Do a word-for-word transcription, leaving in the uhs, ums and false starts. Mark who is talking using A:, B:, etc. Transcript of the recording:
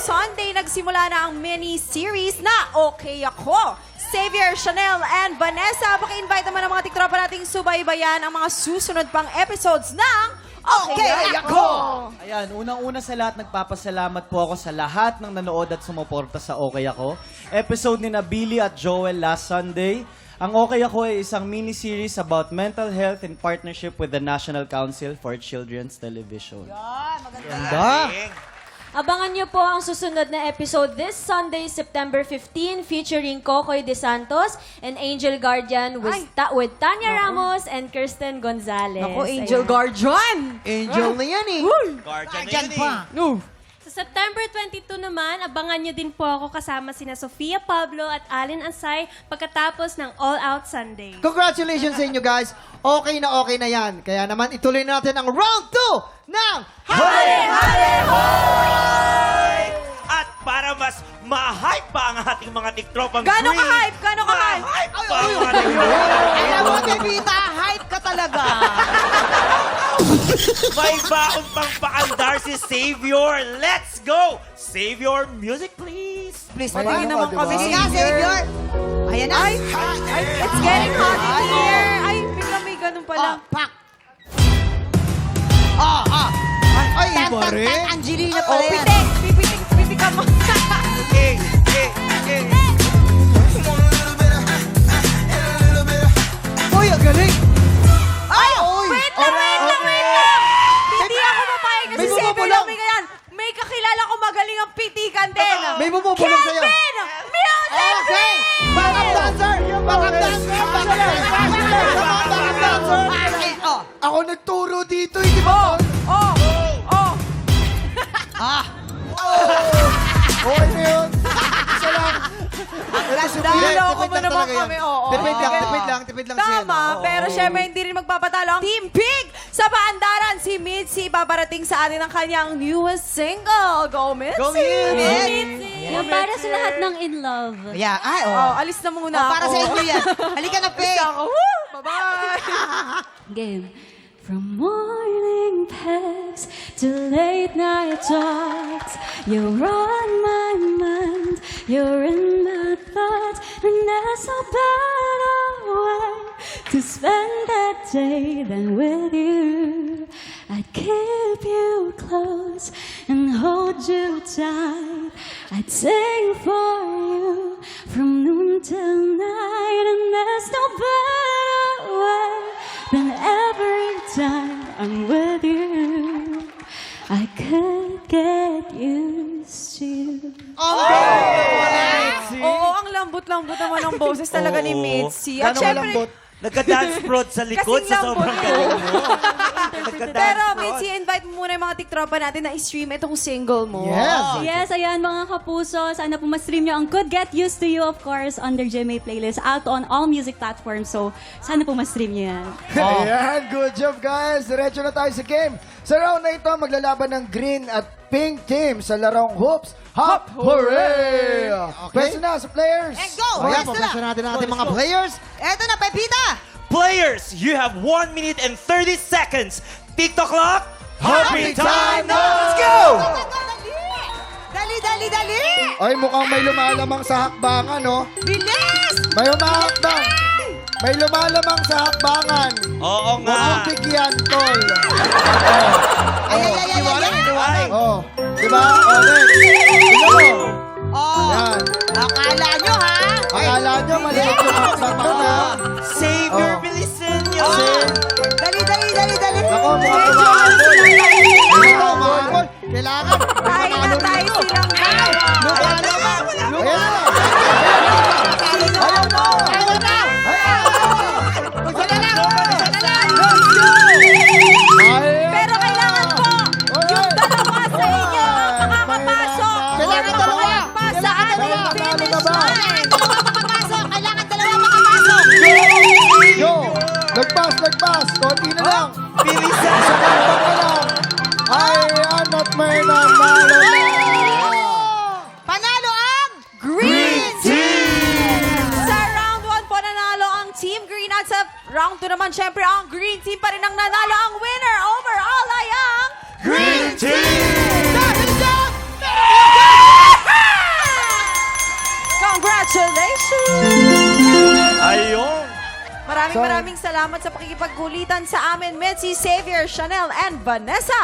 A: Sunday, nagsimula na ang mini-series na Okay Ako. Xavier, Chanel, and Vanessa, paki-invite naman ang mga tiktropa nating subaybayan ang mga susunod pang episodes ng Okay,
B: Okay
A: Ako!
B: Ayan, unang-una sa lahat, nagpapasalamat po ako sa lahat ng nanood at sumuporta sa Okay Ako. Episode ni na Billy at Joel last Sunday. Ang Okay Ako ay isang mini-series about mental health in partnership with the National Council for Children's Television. Ganda!
C: Abangan niyo po ang susunod na episode this Sunday, September fifteenth, featuring Kokoy De Santos and Angel Guardian with, Ta- with Tanya Ramos and Kirsten Gonzalez.
A: Ako, Angel
C: Ayan.
A: Guardian!
D: Angel na yan eh.
E: Guardian
D: pa.
A: No.
F: Sa September twenty-two naman, abangan nyo din po ako kasama sina Sofia Pablo at Allen Ansay pagkatapos ng All Out Sunday.
D: Congratulations sa inyo guys. Okay na okay na yan. Kaya naman ituloy natin ang round two ng
E: Hali! Hali! Hoy! At para mas ma-hype pa ang ating mga tiktropang
A: Gano'ng
E: green,
A: ka-hype? Gano'ng ka-hype?
E: Ma-hype pa ang ating
D: Alam mo, Bebita, hype ka talaga.
E: May baon pang paandar si Savior. Let's go! Savior, music please.
A: Please, patingin naman kami.
D: Sige nga, Savior. Ayan na.
A: Ay, ay, it's getting hot in here. Ay, bigla may ganun pala.
D: Ah, pak. Ah, ah. Ay, iba rin.
B: Angelina
A: Oh, pitik! Pipitik, pitik ka mo.
E: Okay, okay, okay.
D: Uy, ang galing.
A: Ay,
D: Uy.
A: wait lang, wait lang, wait lang! Hindi ako mapayag kasi
D: May
A: Savior
D: bumubulong.
A: lang may ganyan. May kakilala ko magaling ang pitikan din.
D: May bumubulong sa'yo.
A: Kelvin! Music!
D: Okay. Backup dancer. Backup dancer. Backup dancer. Backup dancer. Ay, oh. Ako nagturo dito, hindi ba?
A: Oh! Oh!
D: Okay na yun. Isa lang.
A: Naloko mo naman kami, oo.
D: Tipid lang,
A: Okay.
D: tipid lang, tipid lang siya.
A: Tama, pero syempre hindi rin magpapatalo ang Team Pig sa paandaran. Si Mitzi paparating sa atin ang kanyang newest single. Go, Mitzi!
D: Go, Mitzi!
C: Yung para sa lahat ng in love.
D: Yeah, ay,
A: Oh, alis na muna
D: Oh,
A: ako.
D: para sa inyo yan. Halika na, Peg.
A: Ako. Woo! Bye-bye!
C: Game. From morning past to late night talks, you're on my mind, you're in my thoughts, and there's no better way to spend that day than with you. I'd keep you close and hold you tight. I'd sing for you from noon till night, and there's no better way than every time I'm with you. I could get used to you.
A: Oo, ang lambot-lambot naman ang boses talaga ni
E: Oo.
A: Mitzi. At
D: Gano'ng
A: syempre,
D: malambot?
E: Nagka-dance prod sa likod
A: Kasing
E: sa
A: lambot
E: sobrang
A: eh.
E: galing mo. Nagka-dance
A: pero
E: prod.
A: Mitzi, invite mo muna yung mga tiktropa natin na i-stream itong single mo.
D: Yes.
C: Yes, ayan mga kapuso. Sana po ma-stream nyo ang Could Get Used to You, of course, on their G M A playlist. Out on all music platforms. So, sana po ma-stream nyo yan.
G: Ayan, good job guys. Diretso na tayo sa game. Sa round na ito, maglalaban ng green at pink team sa larong hoops. Hop! Hooray! Pwesto na sa players.
D: And go!
G: Oh,
D: Yes,
G: yan,
D: na natin natin mga players. Eto na, Pepita!
E: Players, you have one minute and thirty seconds. TikTok clock.
G: Happy time now!
E: Let's go!
D: Dali, dali, dali!
G: Ay, mukhang may lumalamang sa hakbangan, no?
D: Bilis!
G: May humahakbang. May lumalamang sa hakbangan.
E: Oo
G: Huwag mong
E: nga.
G: bigyan, tol.
D: Ay, ay, ay, ay, ay, ay.
E: Ay,
G: Oh, di ba? Okay. Tingnan mo.
D: Oh,
G: Yan.
D: akala nyo, ha?
G: Akala nyo, maliit yung hakbang doon, ha?
E: Savior,
G: Oh.
E: bilisan nyo.
D: Dali, dali, dali, dali.
G: Ako, mukhang kumakabol. Ito, kumakabol. Kailangan.
A: Tayo na tayo silang
D: Lumalamang!
G: Ayan na. Ayan na.
D: Ayaw na!
G: Ayan na.
D: Isa na lang!
G: Ayan.
A: Pero kailangan po, yung dalawa sa inyo ang makakapasok.
D: Kailangan dalawa.
A: Pa sa ating
G: Kailangan
A: finish
G: dalawa.
A: line.
D: Makakapasok! Kailangan dalawa makapasok!
G: Go. Nagpas, nagpas. Konti na lang.
E: Bilisan.
G: Sa kalabang na lang. Ayan at may nanalo na.
D: Panalo ang
A: Green Team! Sa round one po nanalo ang Team Green at sa round two naman syempre ang Green Team pa rin ang nanalo. Ang winner overall ay ang
E: Green Team!
D: Dahil dyan, meron
A: Congratulations!
E: Ayun.
A: Maraming
G: So-
A: maraming salamat sa pakikipagkulitan sa amin, Mitzi, Xavier, Chanel, and Vanessa.